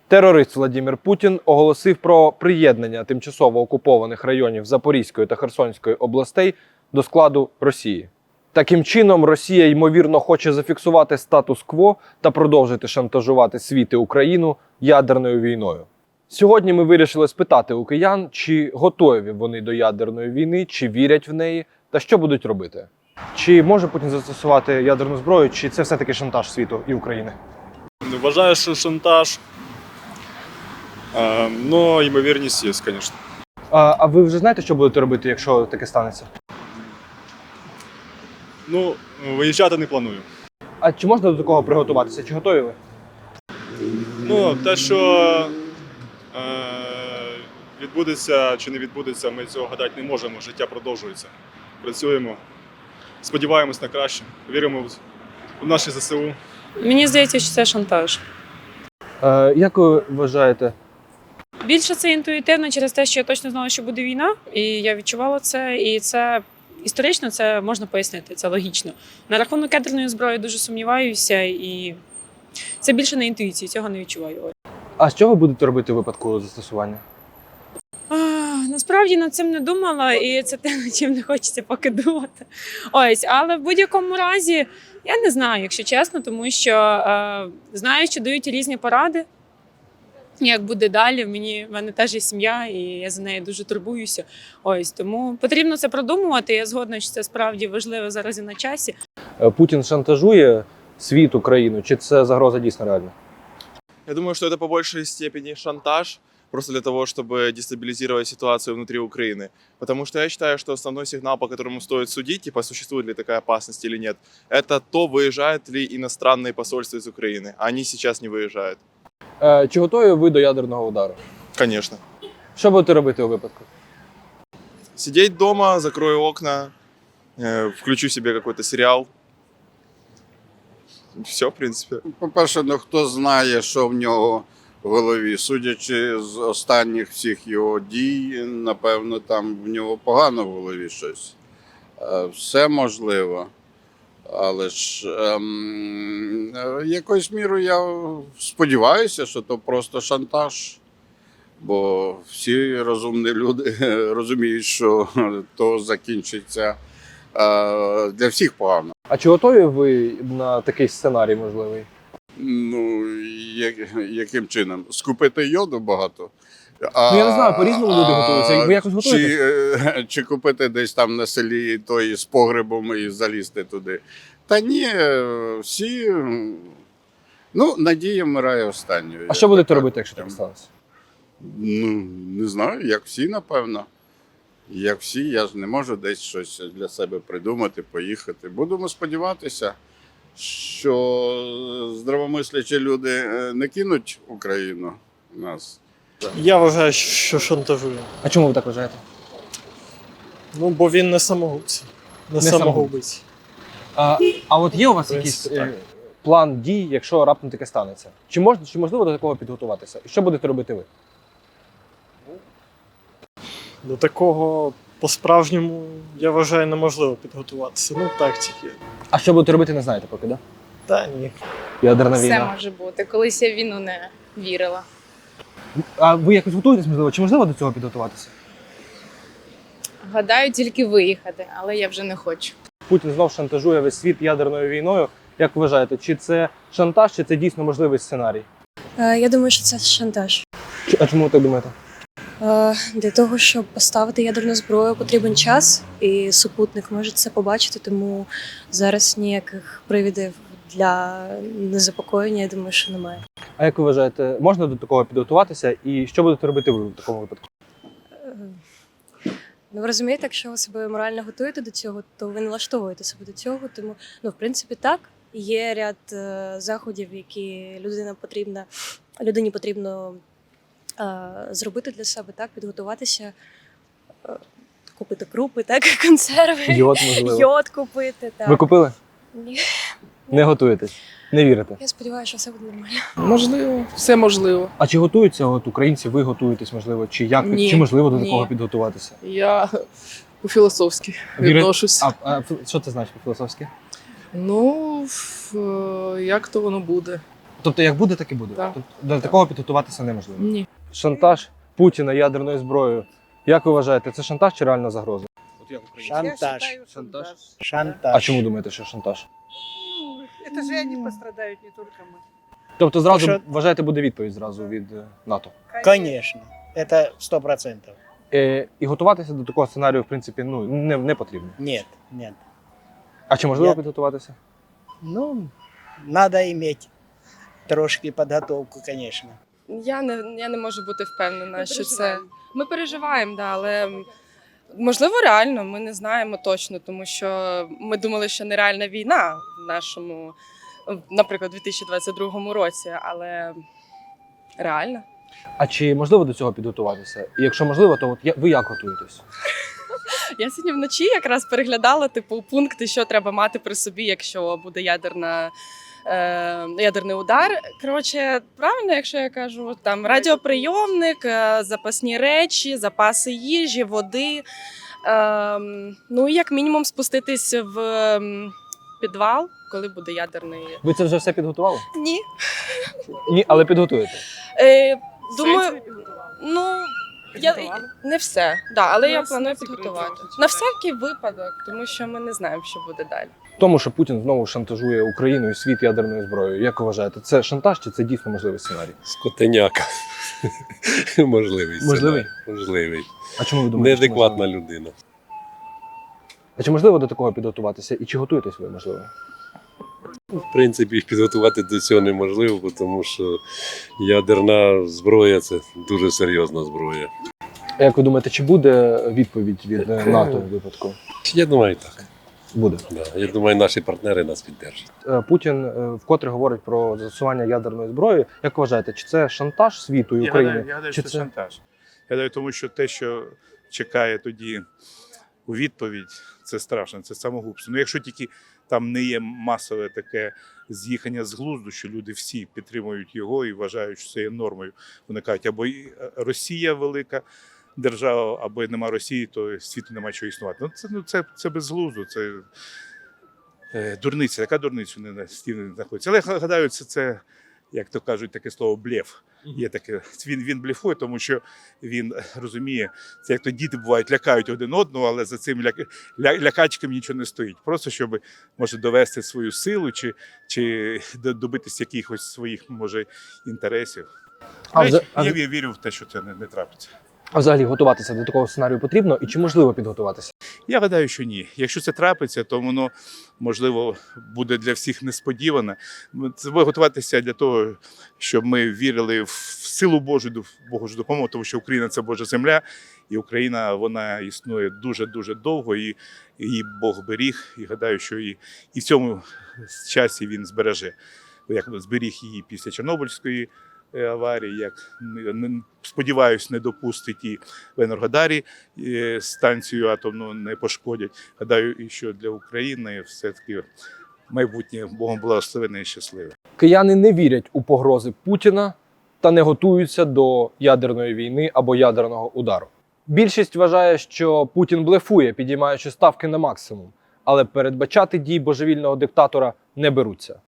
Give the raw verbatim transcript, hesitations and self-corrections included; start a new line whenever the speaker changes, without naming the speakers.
Терорист Владимир Путін оголосив про приєднання тимчасово окупованих районів Запорізької та Херсонської областей до складу Росії. Таким чином, Росія, ймовірно, хоче зафіксувати статус-кво та продовжити шантажувати світ і Україну ядерною війною. Сьогодні ми вирішили спитати у киян, чи готові вони до ядерної війни, чи вірять в неї, та що будуть робити. Чи може Путін застосувати ядерну зброю, чи це все-таки шантаж світу і України?
Вважаю, що шантаж, але ймовірність є, звісно.
А, а ви вже знаєте, що будете робити, якщо таке станеться?
Ну, виїжджати не планую.
А чи можна до такого приготуватися? Чи готові ви?
Ну, те, що е, відбудеться чи не відбудеться, ми цього гадати не можемо. Життя продовжується. Працюємо, сподіваємось на краще, віримо в, в наші ЗСУ.
Мені здається, що це шантаж.
Е, як ви вважаєте?
Більше це інтуїтивно через те, що я точно знала, що буде війна, і я відчувала це, і це історично це можна пояснити, це логічно. На рахунок ядерної зброї дуже сумніваюся, і це більше на інтуїції, цього не відчуваю.
А що ви будете робити у випадку застосування?
А, насправді над цим не думала, і це те, над чим не хочеться поки думати. Ось, але в будь-якому разі я не знаю, якщо чесно, тому що е, знаю, що дають різні поради. Як буде далі, мені, в мене теж є сім'я, і я за нею дуже турбуюся. Ось, тому потрібно це продумувати, я згодна, що це справді важливо зараз і на часі.
Путін шантажує світ, Україну, чи це загроза дійсно реальна?
Я думаю, что это по большей степени шантаж, просто для того, чтобы дестабилизировать ситуацию внутри Украины. Потому что я считаю, что основной сигнал, по которому стоит судить, типа, существует ли такая опасность или нет, это то, выезжают ли иностранные посольства из Украины. Они сейчас не выезжают.
Е, чи готові ви до ядерного удару?
Конечно.
Що будете робити у випадку?
Сидеть дома, закрою окна, э, включу себе какой-то сериал. Все, в принципе.
По-перше, ну хто знає, що в нього в голові. Судячи з останніх всіх його дій, напевно, там в нього погано в голові щось. Е, Все можливо. Але ж ем, е, якоюсь мірою я сподіваюся, що то просто шантаж. Бо всі розумні люди розуміють, що то закінчиться е, для всіх погано.
А чи готові ви на такий сценарій можливий?
Ну, як, яким чином? Скупити йоду багато? А,
Ну, я не знаю, по-різному люди готуються. Ви якось готуєтесь?
Чи, е, чи купити десь там на селі той з погребом і залізти туди? Та ні, е, всі. Ну, надія вмирає останньою.
А що будете
Так,
робити, якщо
так.
так станеться?
Ну, не знаю, як всі, напевно. Як всі, я ж не можу десь щось для себе придумати, поїхати. Будемо сподіватися, що здравомислячі люди е, не кинуть Україну нас.
Я вважаю, що шантажує.
А чому ви так вважаєте?
Ну, бо він не самогубці, не,
Не
самогубець.
А, а от є у вас
В принципі,
якийсь е, план дій, якщо раптом таке станеться? Чи можна, чи можливо до такого підготуватися? І що будете робити ви?
До такого по-справжньому, я вважаю, неможливо підготуватися. Ну, так тільки.
А що будете робити, не знаєте поки, так? Да?
Та ні.
Ядерна
Все
війна.
може бути. Колись я в війну не вірила.
А ви якось готуєтесь, можливо? Чи можливо до цього підготуватися?
Гадаю, тільки виїхати, але я вже не хочу.
Путін знов шантажує весь світ ядерною війною. Як ви вважаєте, чи це шантаж, чи це дійсно можливий сценарій?
Е, Я думаю, що це шантаж.
Чи- А чому ви так думаєте?
Е, Для того, щоб поставити ядерну зброю, потрібен час, і супутник може це побачити, тому зараз ніяких привідів для незапокоєння, я думаю, що немає.
А як ви вважаєте, можна до такого підготуватися? І що будете робити ви в такому випадку?
Е, Ну, ви розумієте, якщо ви себе морально готуєте до цього, то ви налаштовуєте себе до цього. Тому, ну, в принципі, так, є ряд е, заходів, які людина потрібна, людині потрібно е, зробити для себе, так, підготуватися, е, купити крупи, так, консерви,
Йод, можливо.
йод купити. Так.
Ви купили?
Ні.
Не готуєтесь? Не вірите?
Я сподіваюся, що все буде нормально.
Можливо, все можливо.
А чи готуються от українці, ви готуєтесь, можливо, чи як,
Ні,
чи можливо до
ні.
такого підготуватися?
Я по-філософськи
Віри-
відношусь.
А, а що це значить по-філософськи?
Ну, в- як то воно буде?
Тобто, як буде, так і буде.
Так.
Тобто, до такого підготуватися неможливо.
Ні.
Шантаж Путіна ядерною зброєю. Як ви вважаєте, це шантаж чи реальна загроза?
Шантаж.
Шантаж.
Шантаж.
А чому думаєте, що шантаж?
Это же они пострадают, не только мы.
Тобто, зразу
Що-
вважаєте, буде відповідь зразу від е, НАТО.
Конечно. Это сто процентов.
Е, і готуватися до такого сценарію, в принципі, ну не, не потрібно.
Нет, нет.
А чи можливо
Я-
підготуватися?
Ну, надо иметь трошки подготовку, конечно.
Я не, я не можу бути впевнена, що це. Ми переживаємо, да, але можливо реально, ми не знаємо точно, тому що ми думали, що нереальна війна в нашому, наприклад, дві тисячі двадцять другому році, але реально.
А чи можливо до цього підготуватися? І якщо можливо, то от я- ви як готуєтесь?
Я сьогодні вночі якраз переглядала типу пункти, що треба мати при собі, якщо буде ядерна. е, Ядерний удар. Коротше, правильно, якщо я кажу, там радіоприйомник, е, запасні речі, запаси їжі, води. Е, ну і як мінімум спуститись в ем, підвал, коли буде ядерний.
Ви це вже все підготували?
Ні.
Ні, але підготуєте.
Е, думаю, ну я не все, да, але я планую підготувати на всякий випадок, тому що ми не знаємо, що буде далі.
Тому, що Путін знову шантажує Україну і світ ядерною зброєю. Як ви вважаєте, це шантаж чи це дійсно можливий сценарій?
Скотеняка. Можливий.
Можливий?
сценарій. Можливий.
А чому ви думаєте? що
Неадекватна
можливий?
людина.
А чи можливо до такого підготуватися? І чи готуєтесь ви, можливо?
В принципі, підготувати до цього неможливо, тому що ядерна зброя це дуже серйозна зброя.
А як ви думаєте, чи буде відповідь від е, НАТО в випадку?
Я думаю, так.
Буде.
Да. Я думаю, наші партнери нас підтримують.
Е, Путін е, вкотре говорить про застосування ядерної зброї. Як ви вважаєте, чи це шантаж світу і
Я
України?
гадаю, я гадаю,
чи
що це шантаж. Я гадаю, тому що те, що чекає тоді у відповідь, це страшно, це самогубство. Ну, якщо тільки там не є масове таке з'їхання з глузду, що люди всі підтримують його і вважають, що це є нормою. Вони кажуть, або і Росія велика держава, або і нема Росії, то світу нема чого існувати. Ну, це, ну, це, це безглуздо, це е, дурниця. Яка дурниця не на стіні знаходиться? Але я гадаю, це, це, як то кажуть, таке слово блеф. Є таке, він, він блефує, тому що він розуміє, це як то діти бувають, лякають один одного, але за цим ля, ля, лякачком нічого не стоїть. Просто щоб, може, довести свою силу чи, чи добитися якихось своїх, може, інтересів.
А,
А,
вза- а,
я ві- вірю в те, що це не, не трапиться.
а взагалі готуватися до такого сценарію потрібно? І чи можливо підготуватися?
Я гадаю, що ні. Якщо це трапиться, то воно, можливо, буде для всіх несподіване. Це буде готуватися для того, щоб ми вірили в силу Божу, в Божу допомогу, тому що Україна – це Божа земля, і Україна, вона існує дуже-дуже довго, і її Бог беріг, і гадаю, що і, і в цьому часі він збереже. Як зберіг її після Чорнобильської аварії, як, не- сподіваюсь, не допустить і в Енергодарі е, станцію атомну не пошкодять. Гадаю, і що для України все-таки майбутнє Богом благословене і щасливе.
Кияни не вірять у погрози Путіна та не готуються до ядерної війни або ядерного удару. Більшість вважає, що Путін блефує, підіймаючи ставки на максимум, але передбачати дій божевільного диктатора не беруться.